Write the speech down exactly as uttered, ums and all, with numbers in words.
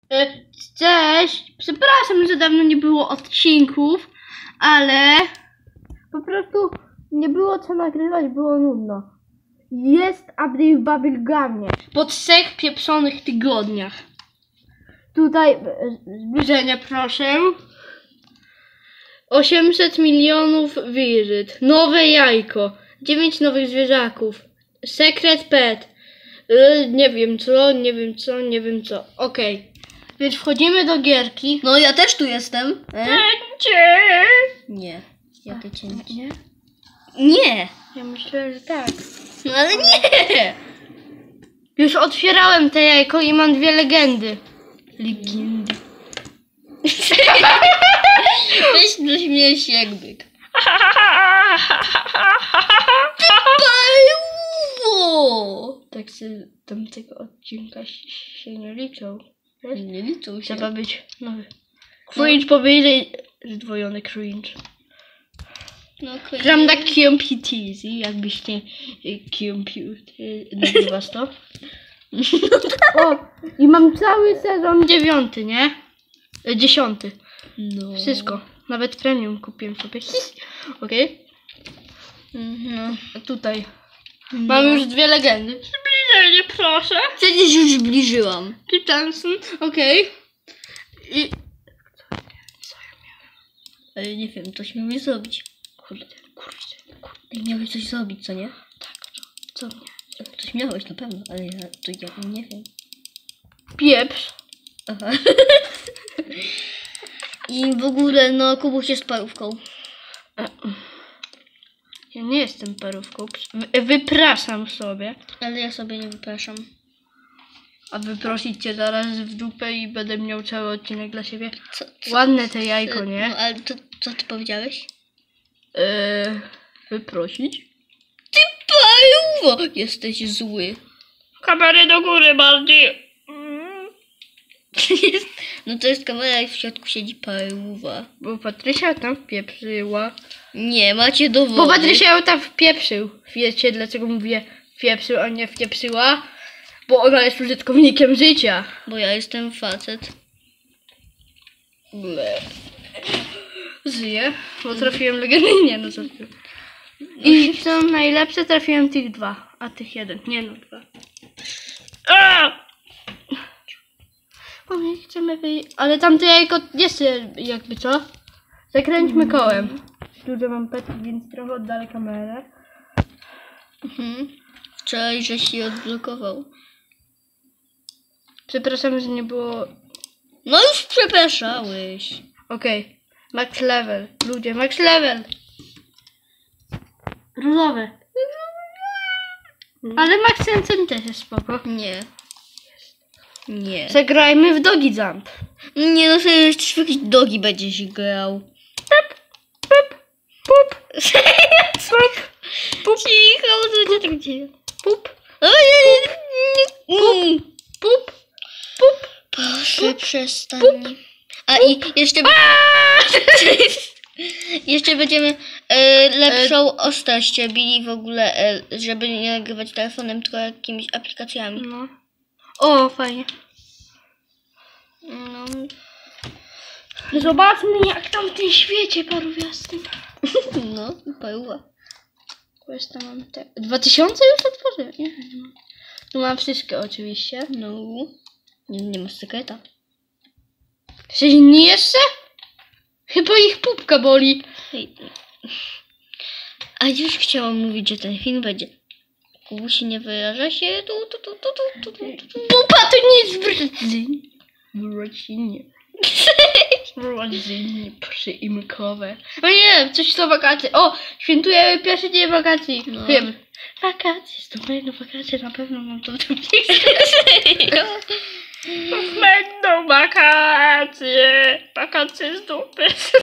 Cześć! Przepraszam, że dawno nie było odcinków, ale po prostu nie było co nagrywać, było nudno. Jest update w Bubblegumie po trzech pieprzonych tygodniach. Tutaj zbliżenie proszę. osiemset milionów wizyt. Nowe jajko. dziewięć nowych zwierzaków. Secret pet. Yy, nie wiem co, nie wiem co, nie wiem co. Okej. Okay. Więc wchodzimy do gierki. No ja też tu jestem. E? Cięcie! Nie. Jakie cięcie? Nie? Nie. Ja myślę, że tak. No ale nie. Już otwierałem te jajko i mam dwie legendy. Legendy. Weź śmiejesz się jak byk. Pajuwo! Tak się tamtego odcinka się nie liczą. Wiesz? Nie liczą się. Trzeba być nowy. Cringe no. Powiedzieć zdwojony cringe. No, gram na Computeasy, jakbyście computer nagrywasz to. O, i mam cały sezon dziewiąty, nie? Dziesiąty. No. Wszystko. Nawet premium kupiłem sobie. Okej? Okay? Mhm. Tutaj. No. Mam już dwie legendy. Zbliżenie, proszę. Przecież już zbliżyłam. Ty Johnson, okej. Okay. I... Ale nie wiem, coś miałeś zrobić. Kurde, kurde, kurde. Miałeś coś zrobić, co nie? Tak, co? Co nie? Coś miałeś na pewno, ale ja to ja nie wiem. Pieprz. Aha. I w ogóle, no, Kubuś jest parówką. Ja nie jestem parówką. Wypraszam sobie. Ale ja sobie nie wypraszam. A wyprosić cię zaraz w dupę i będę miał cały odcinek dla siebie. Co, co? Ładne te jajko, nie? No, ale to, co ty powiedziałeś? Eee, wyprosić? Ty pajuwo! Jesteś zły. Kamerę do góry bardziej. No to jest kamera i w środku siedzi pajuwa. Bo Patrysia tam wpieprzyła. Nie, macie dowody. Bo Patrysia ją tam wpieprzył. Wiecie dlaczego mówię wpieprzył, a nie wpieprzyła? Bo ona jest użytkownikiem życia. Bo ja jestem facet. Ble. Żyję, bo trafiłem legendę. Nie no, co ty. I co najlepsze, trafiłem tych dwa, a tych jeden. Nie no, dwa. A! Bo my chcemy wyjść. Ale tamte jajko jeszcze jakby co? Zakręćmy kołem. Dużo mam petki, więc trochę oddalę kamerę. Mhm. Wczoraj, żeś się odblokował. Przepraszam, że nie było... No już przepraszałeś. Okej. Okay. Max level. Ludzie, max level. Różowe. Ale Max Sensen też jest spoko. Nie. Nie. Zagrajmy w Dogi Jump. Nie no, sobie jeszcze w jakieś dogi będziesz grał. Pup, pup, pup. Pup, pup. Cicho, co się tak dzieje? Pup. Pup. Pup. Pup. Proszę, przestań. A i jeszcze... jeszcze będziemy e, lepszą ostrość robili w ogóle, e, żeby nie nagrywać telefonem, tylko jakimiś aplikacjami. No. O, fajnie. No. Zobaczmy jak tam w tym świecie parówiastym. No, paruwa. Jeszcze mam te... Dwa tysiące już otworzyłem? Nie, nie mam. Tu mam wszystkie oczywiście. No. Nie, nie masz sekreta. Czy inni jeszcze? Chyba ich pupka boli. Hej. A już chciałam mówić, że ten film będzie... Kubusi nie wyraża się. Tu, tu, tu, tu, tu, tu, tu, tu. Pupa to nie jest w rodzinie. W rodzinie. W rodzinie przyimkowe. O nie, coś to wakacje. O, świętujemy pierwszy dzień wakacji. No. Wiem. Wakacje, to będą wakacje, na pewno mam to w tym Będą wakacje. Wakacje z dupy.